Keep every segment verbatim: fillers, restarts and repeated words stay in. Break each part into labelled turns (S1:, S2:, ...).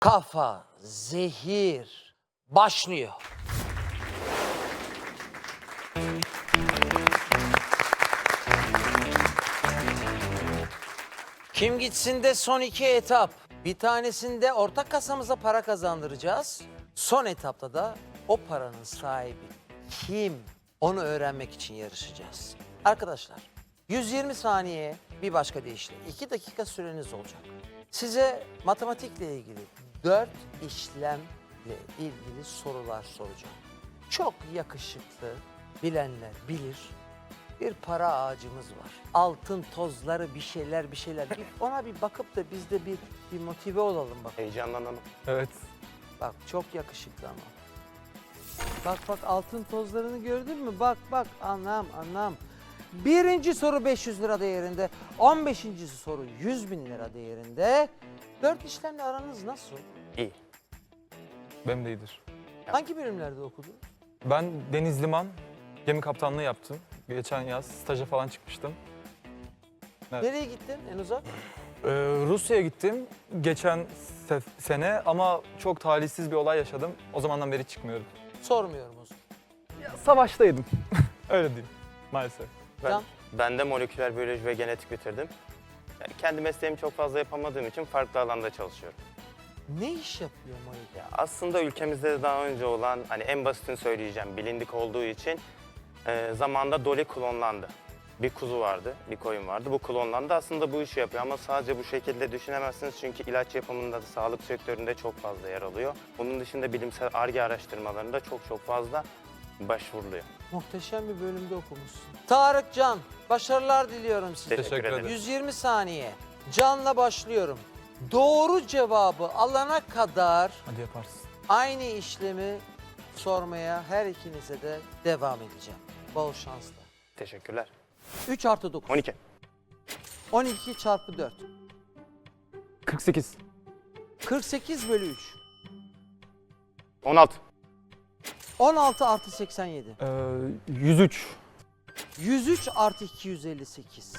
S1: Kafa, zehir başlıyor. Kim gitsin de son iki etap. Bir tanesinde ortak kasamıza para kazandıracağız. Son etapta da o paranın sahibi kim? Onu öğrenmek için yarışacağız. Arkadaşlar yüz yirmi saniye bir başka deyişle iki dakika süreniz olacak. Size matematikle ilgili dört işlemle ilgili sorular soracağım. Çok yakışıklı, bilenler bilir. Bir para ağacımız var. Altın tozları bir şeyler bir şeyler. Bir ona bir bakıp da biz de bir, bir motive olalım bak.
S2: Heyecanlanalım.
S3: Evet.
S1: Bak çok yakışıklı ama. Bak bak altın tozlarını gördün mü? Bak bak anlam anlam. Birinci soru beş yüz lira değerinde. on beşinci soru yüz bin lira değerinde. Dört işlemle aranız nasıl?
S2: İyi.
S3: Benim de iyidir.
S1: Hangi bölümlerde okudun?
S3: Ben Deniz Liman gemi kaptanlığı yaptım. Geçen yaz staja falan çıkmıştım. Evet.
S1: Nereye gittin en uzak?
S3: Ee, Rusya'ya gittim geçen se- sene ama çok talihsiz bir olay yaşadım. O zamandan beri çıkmıyorum.
S1: Sormuyorum o zaman.
S3: Ya, savaştaydım. Öyle diyeyim maalesef.
S2: Ben,
S1: Can?
S2: ben de moleküler biyoloji ve genetik bitirdim. Yani kendi mesleğimi çok fazla yapamadığım için farklı alanda çalışıyorum.
S1: Ne iş yapıyor Monik?
S2: Ya aslında ülkemizde de daha önce olan, hani en basitini söyleyeceğim, bilindik olduğu için e, zamanda Dolly klonlandı. Bir kuzu vardı, bir koyun vardı. Bu klonlandı. Aslında bu işi yapıyor ama sadece bu şekilde düşünemezsiniz çünkü ilaç yapımında da sağlık sektöründe çok fazla yer alıyor. Bunun dışında bilimsel Ar-Ge araştırmalarında çok çok fazla başvuruluyor.
S1: Muhteşem bir bölümde okumuşsun. Tarık Can, başarılar diliyorum size.
S2: Teşekkür,
S3: Teşekkür
S2: ederim.
S3: ederim.
S1: yüz yirmi saniye. Can'la başlıyorum. Doğru cevabı alana kadar
S3: Hadi yaparsın.
S1: aynı işlemi sormaya her ikinize de devam edeceğim. Bol şansla.
S2: Teşekkürler.
S1: üç artı dokuz.
S2: on iki.
S1: on iki çarpı dört.
S3: kırk sekiz.
S1: kırk sekiz bölü üç.
S2: on altı.
S1: on altı artı seksen yedi.
S3: Ee, yüz üç.
S1: yüz üç artı iki yüz elli sekiz.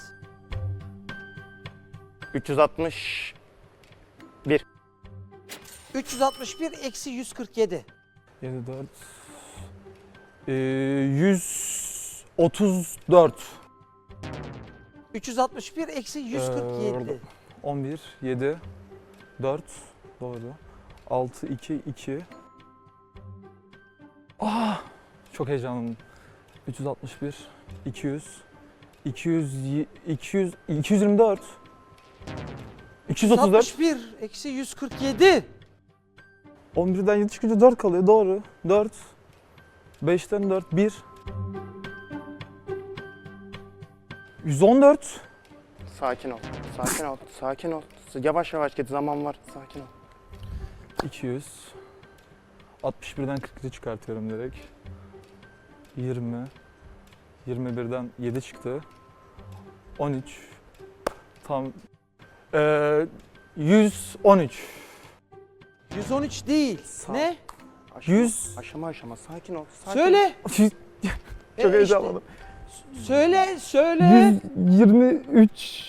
S2: üç yüz altmış bir.
S1: üç yüz altmış bir eksi yüz kırk yedi.
S3: yedi, dört. Ee, yüz otuz dört.
S1: üç yüz altmış bir eksi yüz kırk yedi.
S3: on bir, yedi, dört, doğru. altı, iki, iki. Ah, çok heyecanlıyım. üç yüz altmış bir, iki yüz, iki yüz, iki yüz, iki yüz yirmi dört. iki yüz otuz dört.
S1: altmış bir eksi yüz kırk yedi.
S3: on birden yedi çıkınca dört kalıyor, doğru. dört. beşten dört, bir. yüz on dört.
S2: Sakin ol, sakin ol, sakin ol. Yavaş yavaş git, zaman var, sakin ol.
S3: iki yüz. altmış birden kırk iki çıkartıyorum direkt. yirmi. yirmi birden yedi çıktı. on üç. Tam. Ee, yüz on üç.
S1: yüz on üç değil.
S2: Sağ-
S1: Ne?
S2: Aşama,
S3: yüz.
S2: Aşama aşama, sakin ol. Sakin
S1: Söyle.
S3: Çok
S1: E,
S3: heyecanlandım.
S1: işte. Söyle, söyle.
S3: yüz yirmi üç.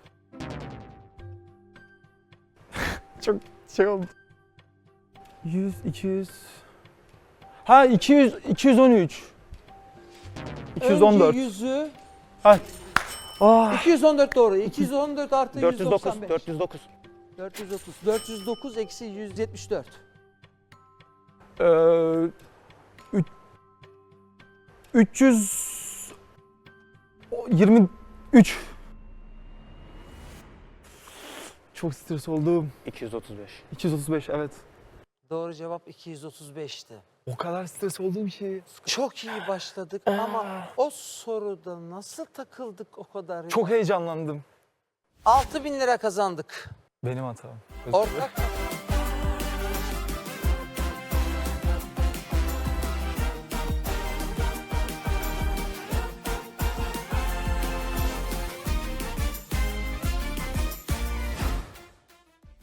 S3: Çok şey oldu. yüz, iki yüz. Ha iki yüz, iki yüz on üç. iki yüz on dört.
S1: Önce yüzü.
S3: Ha. Ah.
S1: iki yüz on dört doğru. iki yüz on dört artı
S2: dört yüz dokuz,
S1: yüz doksan beş.
S2: dört yüz dokuz.
S1: dört yüz otuz. dört yüz dokuz eksi yüz yetmiş dört.
S3: Ee, üç- üç yüz yirmi üç. Çok stres oldum.
S2: iki yüz otuz beş.
S3: iki yüz otuz beş, evet.
S1: Doğru cevap iki yüz otuz beşti.
S3: O kadar stres olduğum şey.
S1: Çok iyi başladık ama o soruda nasıl takıldık o kadar?
S3: Çok heyecanlandım.
S1: altı bin lira kazandık.
S3: Benim hatam. Özür dilerim.
S1: Ortak